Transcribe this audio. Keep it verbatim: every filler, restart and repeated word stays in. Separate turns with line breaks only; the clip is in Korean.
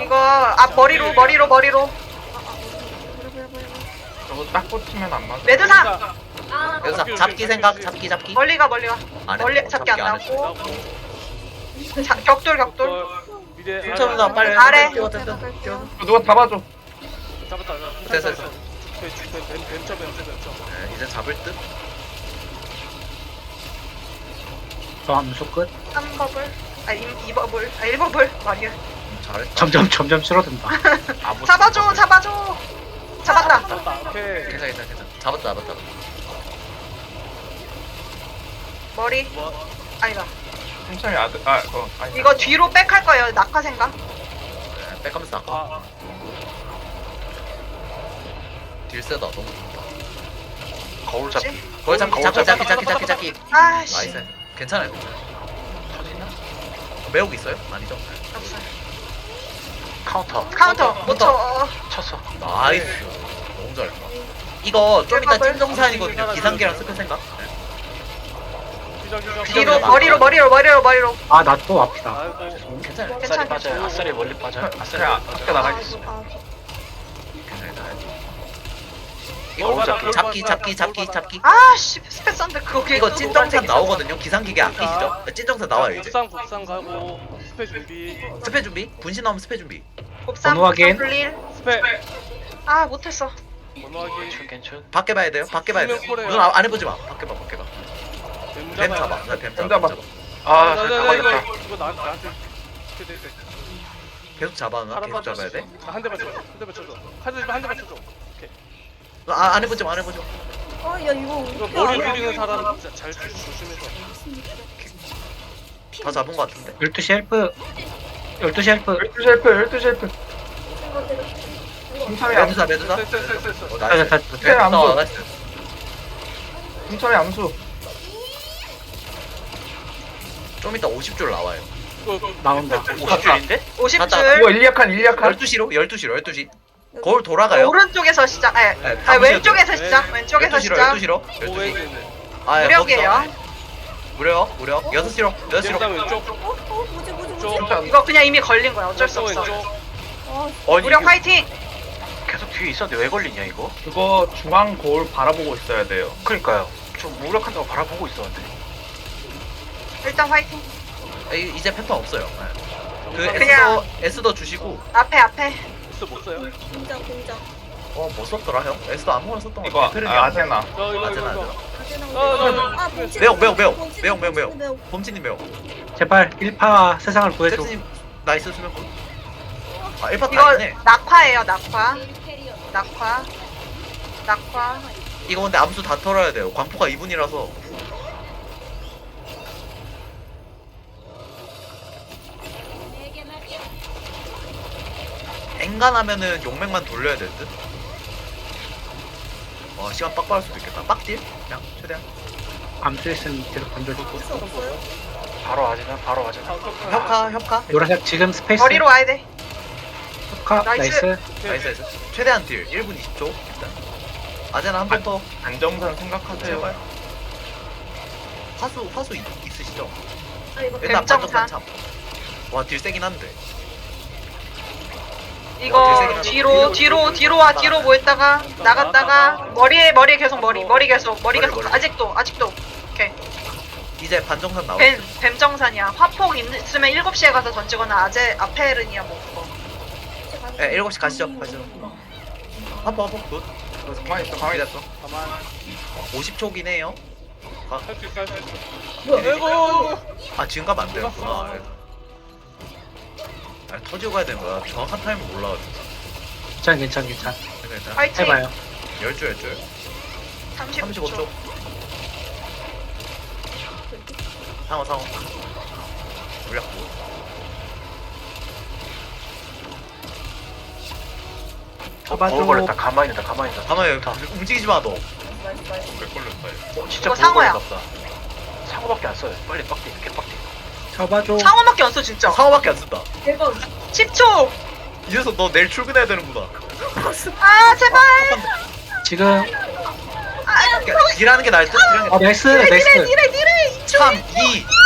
이거 앞 머리로 머리로 머리로.
저거 딱 꽂히면 안 맞아.
매드사
아,
여기서
오케이,
잡기
오케이,
생각,
오케이.
잡기 잡기.
멀리가 멀리가.
안 해.
멀리
어,
잡기 안
안 했어.
나고. 자, 격돌 격돌.
미래
훔쳐보다 빨리.
아래.
뛰어, 뛰어, 뛰어, 뛰어.
누가 잡아줘.
잡았다.
됐어, 됐어.
뱀쳐 뱀쳐 뱀쳐.
네, 이제 잡을 듯.
저 암수 끝.
삼 버블. 아, 이 버블. 아, 일 버블. 말이야.
음, 잘했다.
점점 점점 줄어든다.
아무
잡아줘, 잡아줘. 잡았다.
잡았다. 오케이.
괜찮아, 괜찮아, 괜찮아. 잡았다, 잡았다.
머리.
뭐
아니다.
천천히 아들 아 그거 아니.
이거 뒤로 백 할 거예요. 낙하 생각.
네, 백하면서 나가.
아,
딜 세다, 너무 좋다.
거울
잡기.
거기 잡기, 잡기, 잡기, 잡기, 잡기, 잡기.
아씨.
나이스. 괜찮아요, 괜찮아요. 매혹 있어요? 아니죠?
없어요.
카운터.
카운터. 못 쳐. 어,
쳤어.
나이스. 너무 잘했다. 이거 좀 이따
딜
찐정산이거든요. 기상기랑 스크 생각. 네.
기장 기장.
뒤로
기장.
머리로 머리로 머리로 머리로.
아 나 또 앞이다.
아이고.
괜찮아요.
괜찮아.
빠져요. 아싸리 멀리 빠져요. 아싸리 밖에 나가 있어.
아,
괜찮아요. 이거 잡기, 잡기, 잡기, 잡기, 잡기.
아씨 스페스한데 그거
이거 찐정산 나오거든요. 기상기계 안 끼시죠? 찐정산 나와요 이제.
국산 국산 가고 스페 준비.
스페 준비. 분신 나오면 스페 준비.
곱삼
번호 확인.
불릴.
스페.
아 못했어.
번호하기.
괜찮.
밖에 봐야 돼요. 밖에 봐야 돼요.
수면 콜해요.
눈 안 해보지 마. 밖에 봐, 밖에 봐.
뱀
뱀 잡아.
잡아.
네, 뱀
뱀
잡아.
잡아.
뱀
아,
나,
잘
나, 나, 이거
잡아야겠다.
이거 나 나한테. 돼, 돼, 돼.
계속 잡아. 나 계속 잡아야 돼.
한 대만 쳐. 한 대만 쳐줘. 한 대만 한 대만 쳐줘. 오케이.
아, 안 해보지 마. 안 해보지 마.
어, 야 이거
이거
어떻게
머리
알아?
부리는 사람 진짜 잘 조- 조심해서.
다 잡은 거 같은데.
열두 시 헬프. 열두 시 헬프.
열두 셀프, 열두 셀프. 천천히 암수,
매드사, 매드사.
됐어 됐어 됐어 됐어.
어,
자,
나이스.
자, 자,
네,
안
나와,
줘.
나이스.
천천히 암수.
좀 이따 오십 줄 나와요.
이거 이거
나온다.
오십 줄인데?
오십
갔다.
줄.
이거 일리약한, 일리약한.
열두 시로? 열두 시로, 열두 시. 거울 돌아가요.
오른쪽에서 시작. 아,
네,
아
다
왼쪽에서
보셔도
시작.
돼.
왼쪽에서
열두 시로,
시작.
열두 시로. 열두 시.
오웨이는
아, 예,
무력이에요.
거기서. 무려, 무려. 여섯 시로, 여섯 시로.
왼쪽 왼쪽.
어, 어, 뭐지 뭐지 뭐지?
왼쪽.
이거 그냥 이미 걸린 거야. 어쩔 수
왼쪽
없어.
왼쪽.
어,
무력 화이팅.
계속 뒤에 있었는데 왜 걸리냐 이거?
그거 중앙 거울 바라보고 있어야 돼요.
그러니까요. 좀 무력한다고 바라보고 있었는데.
일단 화이팅.
아, 이- 이제 패턴 없어요. 네. 그
그냥-
에스더, 에스더 주시고.
앞에 앞에.
있어 못 써요.
공장 공장.
어, 뭐 썼더라, 형? 에스더 아무거나 썼던 거
이거
같아. 페르미
아, 아테나.
저 이거
아테나,
이거
아테나.
아, 이거. 아, 아,
아, 봉치.
매우, 매우, 매우.
봉치,
매우, 매우, 매우.
봉치,
범치님 매우.
제발 일파 세상을 구해줘.
잭스님, 나이스 수면 군. 아, 일 파
이거
다이네.
낙화예요. 낙화. 낙화. 낙화.
이거 근데 암수 다 털어야 돼요. 광포가 이 분이라서. 엔간하면은 용맥만 돌려야 될 듯. 와, 시간 빡 빠를 수도 있겠다. 빡딜? 그냥 최대한.
암수 있으면 계속 던져주고.
없어 없어요?
바로 와지면 바로 와지.
협카, 협카.
노란색 지금 스페이스.
머리로 와야 돼.
협카
나이스.
나이스.
나이스, 나이스. 최대한 딜. 일 분 이십 초. 일단. 아제나 한 번 더.
안정산 생각하세요.
제발. 화수, 화수 있, 있으시죠?
아 이거
일단
뱀정산.
반정산 참. 와, 딜 세긴 한데.
이거 뒤로 뒤로 뒤로 와 뒤로 모였다가 나갔다가 머리에 머리에 계속 머리 머리 계속 머리 계속
머리, 머리.
아직도 아직도 오케이
이제 반정산 나오고.
뱀 뱀정산이야. 화폭 있으면 일곱 시에 가서 던지거나 아제 아페르니아 뭐 그거.
네, 일곱 시 가시죠. 가시죠. 한번 한번 굿.
가만히 있어, 가만히 있어.
가만.
오십 초긴 해요.
할 수 있어 할 수 있어. 아이고.
아, 지금 가면 안 되는구나. 아, 터지고 가야 되는 거야. 정확한 타임을 몰라가지고.
괜찮 괜찮 괜찮.
일단
화이팅.
해봐요.
열 줄, 열 줄.
삼십오
삼십오
초.
초. 상어, 상어. 물약고.
잡아줘.
어, 걸렸다. 가만히 있다. 가만히 있다.
가만히 여기 움직이지 마, 너.
나이스 나이스.
왜 걸렸다, 이거.
어, 진짜
이거
뭘
상어야.
걸렸다. 상어밖에 안 써요. 빨리 빡대. 이렇게 빡대.
잡아줘.
상어밖에 안 써 진짜.
상어밖에 안 쓴다.
대박.
십 초.
이 녀석 너 내일 출근해야 되는구나.
아 제발.
지금
아
그러니까 딜하는 게 나을 듯? 딜하는
아
게
나이스
니래
나이스.
니래 니래.
삼, 이,